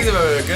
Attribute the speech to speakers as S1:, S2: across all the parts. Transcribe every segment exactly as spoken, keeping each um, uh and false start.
S1: Herkese merhaba bakın.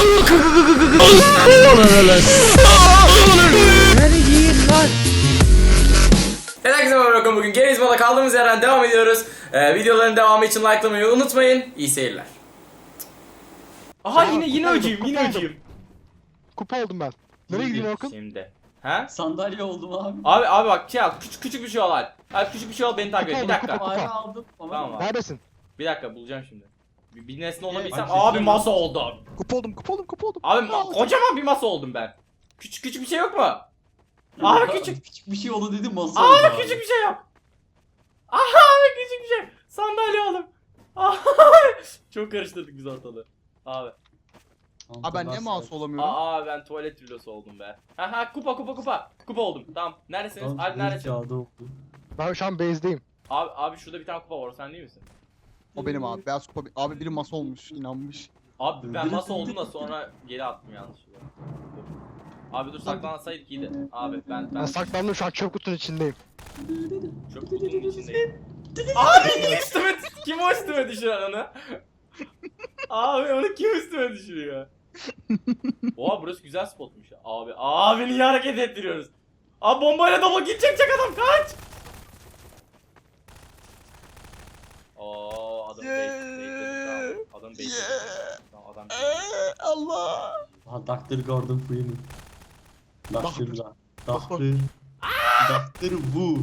S1: Herkese merhaba bakın. Bugün Gerizma'da kaldığımız yerden devam ediyoruz. Ee, videoların devamı için likelamayı unutmayın. İyi seyirler. Aha
S2: Ya,
S1: yine yine
S2: kupa
S1: öcüyüm,
S2: oldum,
S1: yine
S2: kupa
S1: öcüyüm.
S2: Kupa oldum ben. Nereye gideyim Orkun?
S1: Şimdi. Ha?
S3: Sandalye oldum abi.
S1: Abi abi bak şey al, küçük küçük bir şey al. Abi küçük bir şey al, beni takip et.
S2: Kupa
S1: Bir
S2: oldu,
S1: dakika.
S2: kupa.
S3: Fare aldım ama
S1: Tamam abi.
S2: Neredesin?
S1: Bir dakika bulacağım şimdi. Bir, bir nesne olabilsem.
S3: bak,
S1: Abi
S3: seçiyorum.
S1: masa oldu abi.
S2: Kupa oldum, kupa oldum, kupa oldum.
S1: Abi ma- kocaman bir masa oldum ben. Küçük küçük bir şey yok mu? Abi küçük.
S3: küçük bir şey oldu dedim masa oldu
S1: Abi küçük bir şey yap. Aha abi küçük bir şey. Sandalye oğlum. Abi çok karıştırdık biz ortalığı. Abi.
S4: Abi ben niye mouse olamıyorum?
S1: Aa ben tuvalet filosu oldum be. Aha kupa kupa kupa. Kupa oldum. Tamam. Neredesiniz? Abi neredesin?
S2: Ben şu an base'deyim.
S1: Abi abi şurada bir tane kupa var. O sen değil misin?
S4: O benim abi. Beyaz kupa. Abi biri masa olmuş. İnanmış.
S1: Abi ben masa oldum da sonra geri attım yanlışlıkla. Dur. Abi dur saklansaydık iyiydi. Abi ben
S2: Ben
S1: ben
S2: saklandım şu an çöp kutunun içindeyim.
S1: çok kutunun içindeyim. Abi niye üstüme kim o üstüme düşüren onu? Abi onu kim üstüme düşürüyor? Oha burası güzel spotmuş ya. Abi abi niye hareket ettiriyoruz? Abi bombayla double kill çekecek adam kaç! Oo adam bait Adam bait Tamam adam bait.
S4: Allah.
S3: Aha Doctor Gordon Freeman. Doctor da. Doctor. Doctor bu.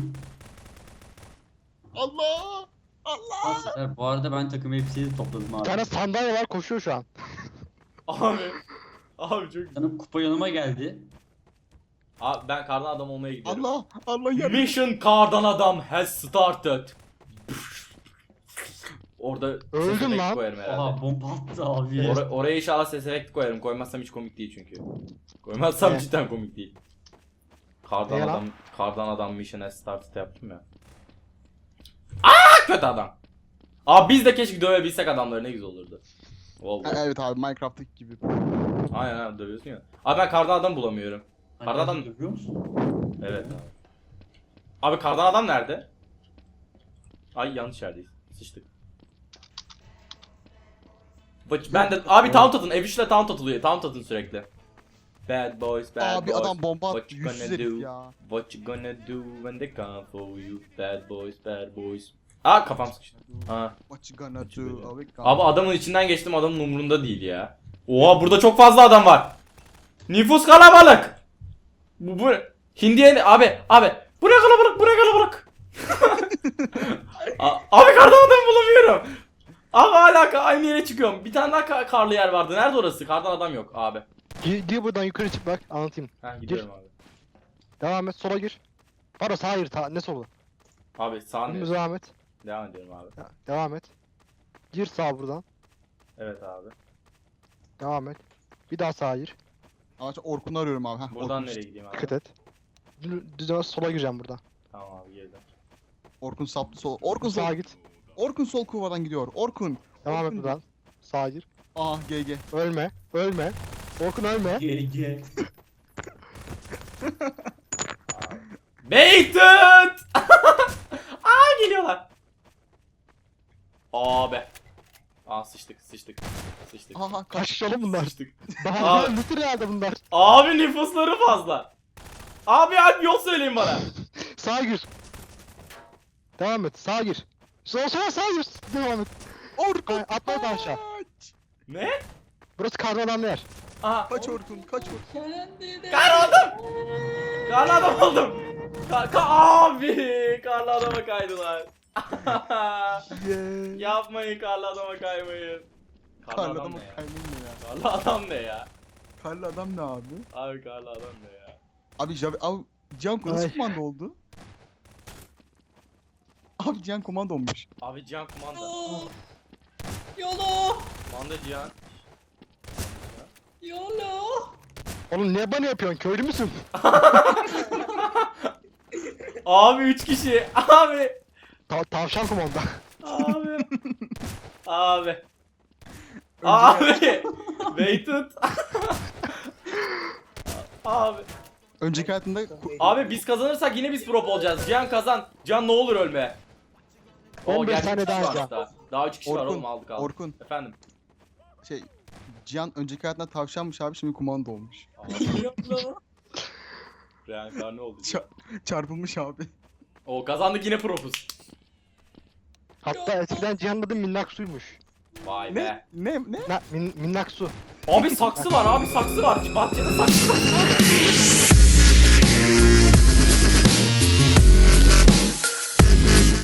S4: Allah. Allah.
S3: Sefer bu arada ben takım elbiseyi topladım
S2: Bir
S3: abi.
S2: tane sandalye var koşuyor şu an.
S1: Abi Abi çok güzel.
S3: Canım kupa yanıma geldi.
S1: Abi ben kardan adam olmaya gidiyorum.
S4: Allah. Allah yardım.
S1: Mission kardan adam has started. Orada
S2: Öldüm
S1: ses efekti
S2: lan.
S1: koyarım herhalde.
S3: Oha bomba attı abi.
S1: Or- oraya inşallah ses efekti koyarım. Koymazsam hiç komik değil çünkü. Koymazsam
S2: Ne?
S1: cidden komik değil. Kardan
S2: Ne lan?
S1: adam, kardan adam mission has started yaptım ya. Aa kötü adam. Abi biz de keşke dövebilsek adamları ne güzel olurdu.
S4: Ha,
S1: Vallahi.
S4: evet abi Minecraft'taki gibi.
S1: Aynen abi dövüyorsun ya. Abi ben kardan adam bulamıyorum. Kardan adam.
S3: Görüyor musun?
S1: Evet abi. Abi kardan adam nerede? Ay yanlış yerdeyiz. Sıçtık. Bak- Ben de abi taunt atın. Ev işle taunt atılıyor. Taunt atın sürekli. Bad boys, bad
S4: Abi
S1: boys.
S4: adam bomba
S1: What
S4: attı.
S1: you
S4: Yüzsüz
S1: gonna
S4: herif
S1: do?
S4: ya.
S1: What you gonna do when they come for you? Bad boys, bad boys. Aa kafam sıkıştı. Aa.
S4: What you gonna
S1: What you
S4: do?
S1: gonna
S4: Abi,
S1: Abi adamın içinden geçtim, adamın umurunda değil ya. Oha burada çok fazla adam var. Nüfus kalabalık. Bu bu Hindiye abi abi bu ne kalabalık, bu ne kalabalık. A- abi kardan adam bulamıyorum. Abi hala aynı yere çıkıyorum. Bir tane daha ka- karlı yer vardı. Nerede orası? Kardan adam yok abi.
S2: Gir, gir buradan yukarı çık bak anlatayım.
S1: Ha gidiyorum abi.
S2: Devam et sola gir. Pardon sağa gir ta ne solu?
S1: Abi sağ
S2: Dümdüz
S1: ne?
S2: devam et.
S1: Devam ediyorum abi.
S2: Ya, devam et. Gir sağa buradan.
S1: Evet abi.
S2: Devam et. Bir daha sağa gir.
S4: Ama Orkun'u arıyorum abi. Heh,
S1: Buradan
S4: Orkun,
S1: nereye gideyim abi?
S2: Dikkat et. Dü- Düz sola gireceğim buradan.
S1: Tamam abi girdim.
S4: Orkun saptı sol. Orkun sol.
S2: Sağa git.
S4: Orkun sol kuvadan gidiyor. Orkun.
S2: Devam et
S4: Orkun.
S2: buradan. Sağa gir.
S4: Ah G G.
S2: Ölme. Ölme. Orkun ölme.
S3: G G.
S1: Baited! Aa geliyorlar. Abi. Aa sıçtık sıçtık sıçtık.
S4: Aha kaç.
S2: Kaç kişi oğlum bunlar?
S1: Sıçtık.
S2: Daha
S1: Abi.
S2: lütür herhalde bunlar.
S1: Abi nüfusları fazla. Abi abi yol söyleyin bana.
S2: Sağa gir. Devam et. Sağa gir. Sola sola sağa gir. Devam et.
S4: Orkun.
S2: Ay, atla oradan aşağı.
S4: Kaç.
S1: Ne?
S2: Burası kardan adamlı yer.
S1: Aha.
S4: Kaç Orkun. Kaç Orkun.
S1: Karlı adam. Karlı adam oldum. Ka ka abi. Karlı adama kaydılar.
S4: Yeah.
S1: Yapmayın karlı adama kaymayın. Karlı,
S4: Karlı
S1: adam
S4: adamı
S1: ne ya?
S4: kaymayın ya.
S1: Karlı adam ne ya?
S4: Karlı adam ne abi?
S1: Abi karlı adam ne ya?
S4: Abi Javi... Abi Cihan nasıl
S2: Ay.
S4: komando oldu? Abi Cihan komando olmuş.
S1: Abi Cihan kumanda.
S3: Yolo.
S1: Kumanda Cihan.
S3: Yolo.
S2: Oğlum niye bana yapıyorsun? Köylü müsün?
S1: Abi üç kişi. Abi.
S2: Ta tavşan kumanda.
S1: Abi. Abi. Abi. Waited. Abi.
S4: Önceki hayatında... ku-
S1: Abi biz kazanırsak yine biz prop olacağız. Cihan kazan. Cihan ne olur ölme. Oo,
S2: on beş
S1: gerçi
S2: tane
S1: üç kişi
S2: daha
S1: varmış
S2: Cihan.
S1: Daha, daha üç kişi var
S4: Orkun,
S1: oğlum aldık aldık.
S4: Orkun.
S1: Efendim.
S4: Şey... Cihan önceki hayatında tavşanmış abi şimdi kumanda olmuş.
S1: Reenkarne oldu.
S4: Ça- çarpılmış abi.
S1: O kazandık yine profuz.
S2: Hatta eskiden Cihan'ın adı Minnaksu'ymuş.
S1: Vay be.
S4: Ne? Ne? Ne?
S2: Na, min, Minnaksu.
S1: Abi saksı var abi saksı var. Bahçede saksı var.